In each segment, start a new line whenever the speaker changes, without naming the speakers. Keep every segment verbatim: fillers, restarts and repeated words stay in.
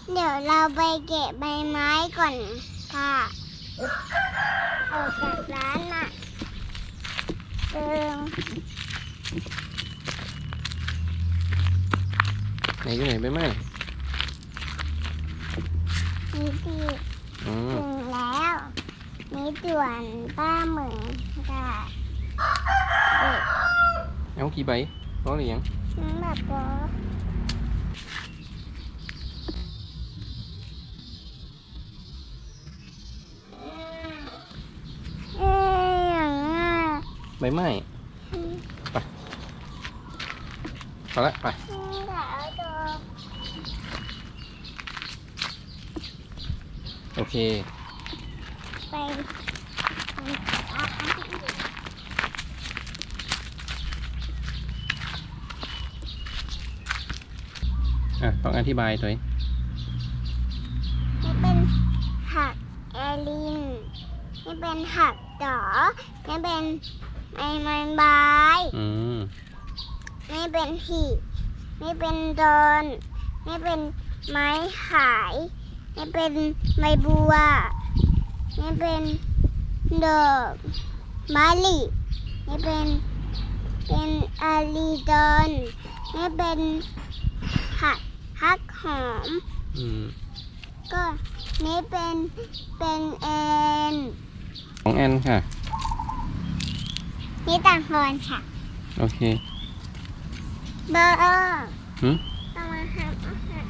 เดี๋ยวเราไปเก็บใบไม้ก่อนค่ะออกจากร้านน่ะเติม
ไหนอยู่ไหนใบไม้
นี่ที่
อืม
ถึงแล้วนี่ด่วนป้าเหมืองค่ะเด็ก
เอากี่ใบร้อหรือยัง
น้ำแบบว่าเอ๊ะอย่างน่ะ
ใบไม้ไปไปละไป
นี่ค่ะเอาตัว
โอเค
ไปทำอาหารที่อื่น
อ่ะต้องอธิบายตัวเอง
นี่เป็นผักแอลินนี่เป็นผักจ๋อนี่เป็นไม้ไม้ใบ
อืม
นี่เป็นหีบนี่เป็นดอน นี่เป็นไม้ขาย นี่เป็นใบบัว นี่เป็นดอกมะลินี่เป็นเป็นอาลีดอน นี่เป็นผักฮักหอม
อืม
ก็นี่เป็นเป็นแอน
ของแอนค่ะ
นี่ต่างพรค่ะ
โอเค
เบอร์เออ
หืม
ต้องมาทำอาหาร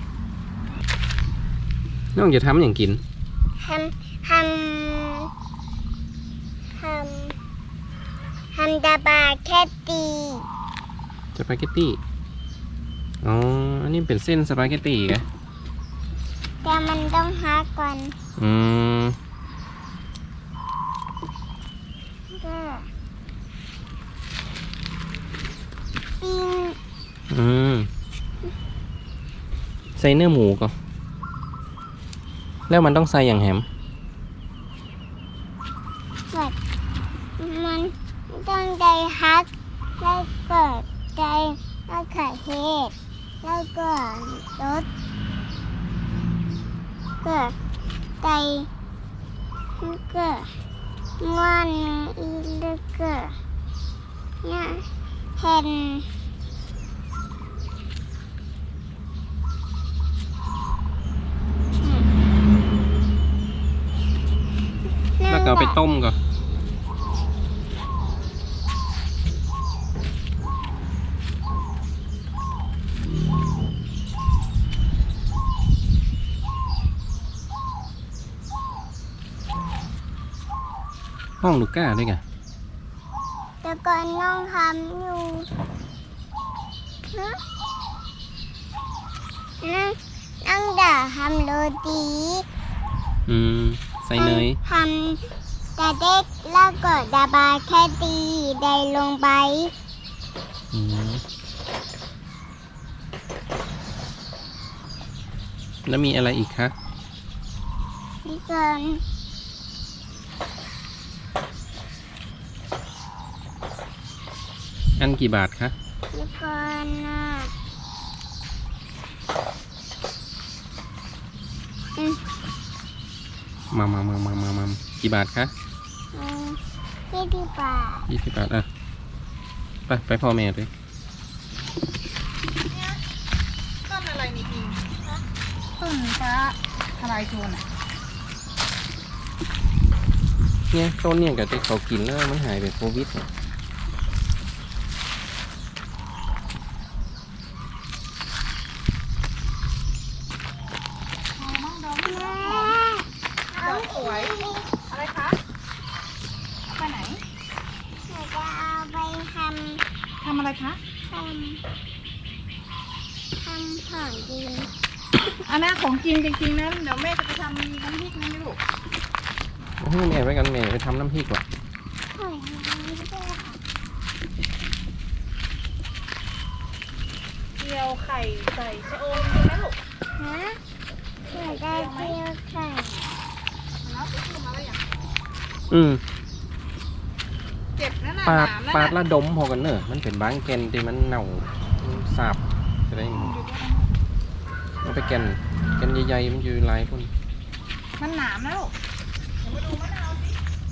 น้องจะทำอย่างกิน
ทำทำทำทำดาบาแคตตี
สปาเกตตี้ อ๋อ อันนี้เป็นเส้นสปาเกตตี้ไง
แต่มันต้องฮักก่อน
อืม
ก็ปิ้ง
อืม ใส่เนื้อหมูก่อนแล้วมันต้องใส่อย่างแฮม
แบบมันต้องใจฮักแล้วก็ใจแล้วก็เฮ็ดแล้วก็รสก็ใจแล้วก็งอนอีแล้วก็เนี่ยเห็น
แล้วก็เอาไปต้มก่อน ห้องลูก้าด้วยกัน
แต่ก่อนน้องทำอยู่ฮะนั่งนั่งด่าทำโรตี
อืม ใส่เนย
ทำแต่เด็กแล้วก็ดาบาแค่ตีได้ลงไป
อืม แล้วมีอะไรอีกคะ
ที่ก่อน
อันกี่บาทคะ
ที่ก่อนน่ะอืม
มามามามามามากี่บาทคะ
อืมที่ที่ป่า
ยี่สิบบาท อ่ะ ไป ไปพ่อแม่ด้วย
ต้นอะไรนี่พิงต้นฟ้าทลายโจรอ่ะ
เนี่ยต้นเนี่ยกับที่เขากินแล้วมันหายไปโควิดเนี่ย
อ๋อน้องดอก
แม่
ด
เอา
อกสวย อะไรคะ ไปไหน
หนูจะเอาไปท
ทำอะไรคะ
ำทำทำของกิน
อันนั้นของกินจริงๆนะเดี๋ยวแม่จะไปทำน้ำพริกนะลูก
เอาให้แม่ไว้กันแม่ไปทำน้ำพริกว่ะ
ของนี้ด้วยค่ะ
เจียวไข่ใส่ชะอมใช่ไหมลูก
ฮะหนูได้เจียวไข่
แล้วไปซื้อมาแล้วอย่าง
อืม
เจ็บนั่นน่ะ
ปาด
หนามนั่น
ปาด
น่ะ
ละดมพอกันเนอะมันเป็นบางแกนที่มันเน่ามันสาบจะได้
อยู่ด้วยนะ
อืเอาไปแกนแกนใหญ่ๆมันอยู่หลายคน
มันหนามนะลูกเดี๋ยวมาดูมะนาวสิ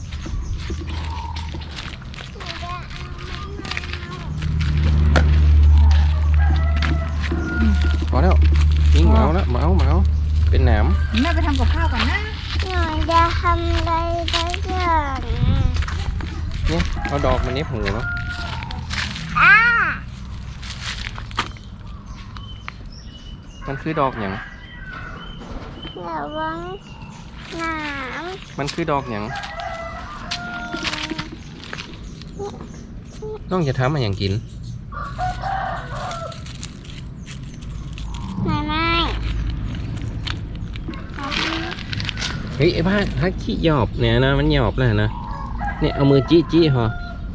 พอแล้วยิงเมาแล้วเมาเมาเป็นหนาม
แม่ไปทำกับข้าวก่อนนะ
หนูจะทำอะไรสักอย่าง
เนี่ยเอาดอกมันเน็บหูเนาะ
อ้า
มันคือดอกหยัง
ระวังหนาม
มันคือดอกหยังน้องจะทำมันอย่างกิน
ไม่ไม่
เฮ้ยไอ้บ้าถ้าขี้หยอบเนี่ยนะมันหยอบแล้วนะเนี่ยเอามือจี้จี้พอ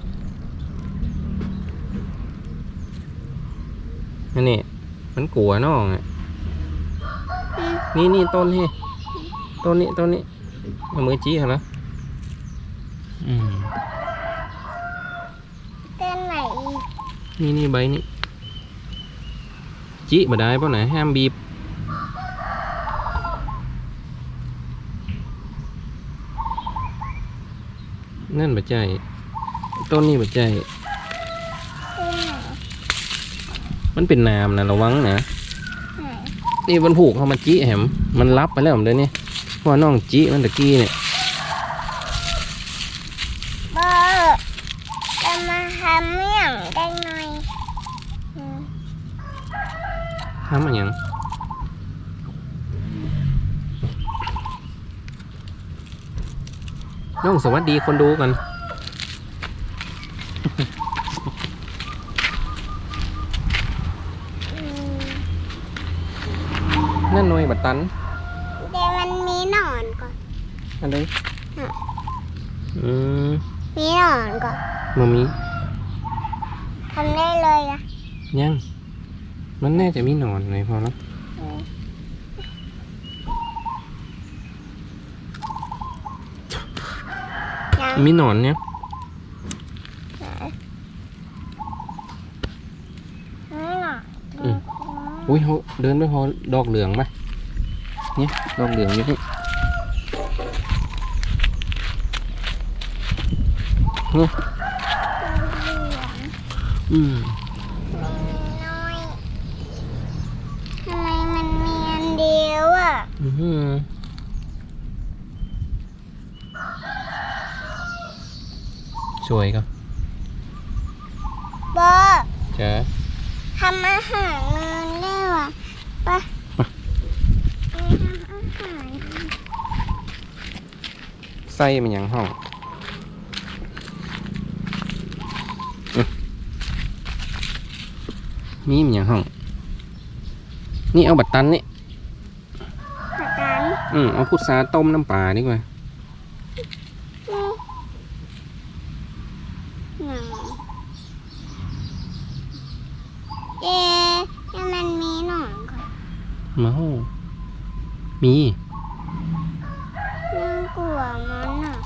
นั่นนี่มันกลัวน้องอ่ะนี่นี่ต้นนี่ต้นนี้ต้นนี้เอามือจี้เหรออืม
เต้นไหนอีก
นี่นี่ใบนี้จี้มาได้ป่ะไหนห้ามบีบนั่นบะใจต้นนี้บะใจ
เต้นไหน
มันเป็นน้ำนะระวังนะ
ไหน
นี่มันผูกเข้ามาจี้แหมมันรับไปแล้วผมเลยนี่เพราะว่าน้องจี้มันตะกี้เนี่ย
เบอร์จะมาทำเมี่ยงได้หน่อยอืม
ทำมันหยังน้องสวัสดีคนดูกัน
อืม
นั่นหน่วยบัดตัน
เดี๋ยวมันมีหนอนก่อน
อันใด
น่ะ
อืม
มีหนอนก่อน
มามี
ทำได้เลยนะ
ยัง มันแน่จะมีหนอนเลยพอแล้ว
อืมยัง
มีหนอนเนี่ย
ไหนไม่หนอน
อืม อุ้ยเขาเดินไปพอดอกเหลืองปะเนี่ยดอกเหลืองอยู่นี่เฮ้ยอืม
น้อยทำไมมันมีอันเดียวอ่ะ
อื้อหือสวยก็
บอ
เจ๊
ทำอาหารเงินได้ว่ะไปไปทำอาหาร
ไส้มันหยังห้องอื้อมีมันหยังห้อง นี่เอาบัตรตันนี่
ผัดกัน
อืมเอาพุทราต้มน้ำปลาดีกว่า
นี่หนังเอ๊ะให้มันมีหนอนก่อน
เมามี
น่ากลัวมันอ่ะ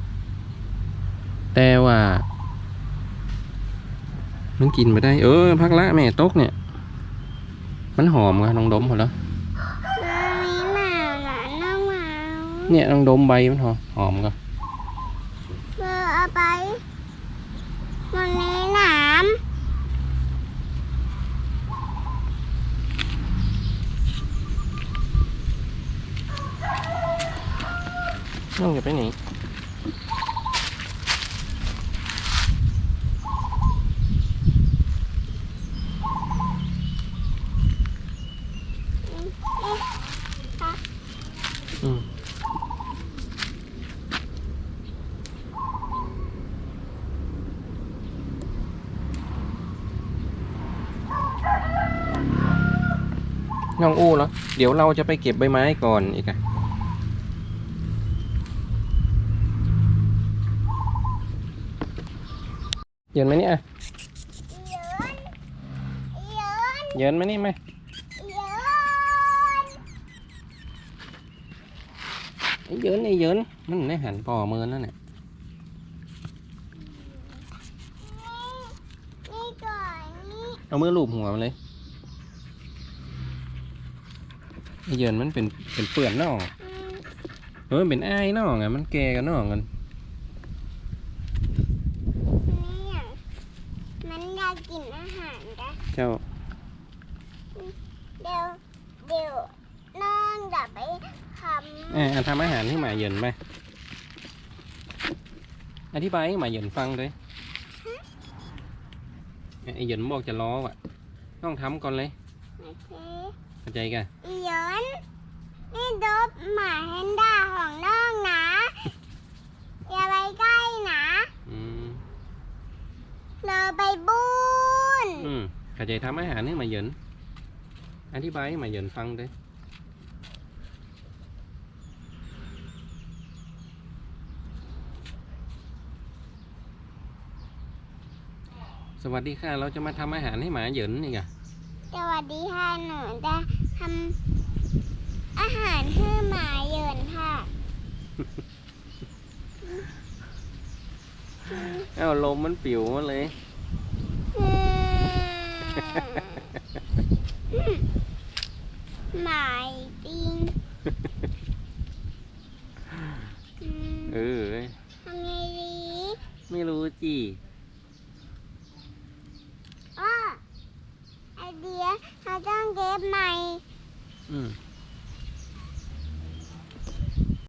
แต่ว่า มันกินไม่ได้ เออพักละแม่ตกเนี่ย มันหอมอะน้องดมหมดแล้ว
มันมีหมาหนาน้องหมา
เนี่ยน้องดมใบมันหอมหอมก็
เบอร์เอาไปมันมีหนาม
น้องจะไปไหนอืมน้องอู้เหรอ เดี๋ยวเราจะไปเก็บใบไม้ก่อนอีกอะเย็นไหมเนี่ย
เยินเยิน
เย็นไหมนี่ไหม
เยิน
ไอ้เยินไอ้เยินมันได้หันปอมือนั่นแหละ
นี่ก่อนนี่
เอามือลูบหัวมันเลยไอ้เหยินมันเป็นเป็นเปื่อนน่อง
อืม
เออเป็นไอ้ายน่องอ่ะมันแก่กันน่องกัน
เนี่ยมันอยากกินอาหารจ้ะ
เจ้า
เดี๋ยวเดี๋ยวน้องจะไปท
เอ่อทำอาหารให้หมาเหยินไปอธิบายให้หมาเหยินฟังเลยไอ้เหยินบอกจะล้อว่ะต้องทำก่อนเลย
ำโอเค
เข้าใจกัน
อีหยนนี่ดบหมาแฮนด้าของน้องนะ อย่าไปใกล้นะ
อืม
เราไปบุญ
อืมเข้าใจทำอาหารให้หมาเหยินอธิบายให้หมาเหยินฟังเลยสวัสดีค่ะเราจะมาทำอาหารให้หมาเหยินนี่ไง
สวัสดีค่ะหนูจะทำอาหารให้หมาเหยินค่ะ
เอ้าลมมันปิวมาเลย
อืมหมาจริงอืม
เออ
ทำไงดี
ไม่รู้จี
อ้อไอเดียเราต้องเก็บใหม่
อืม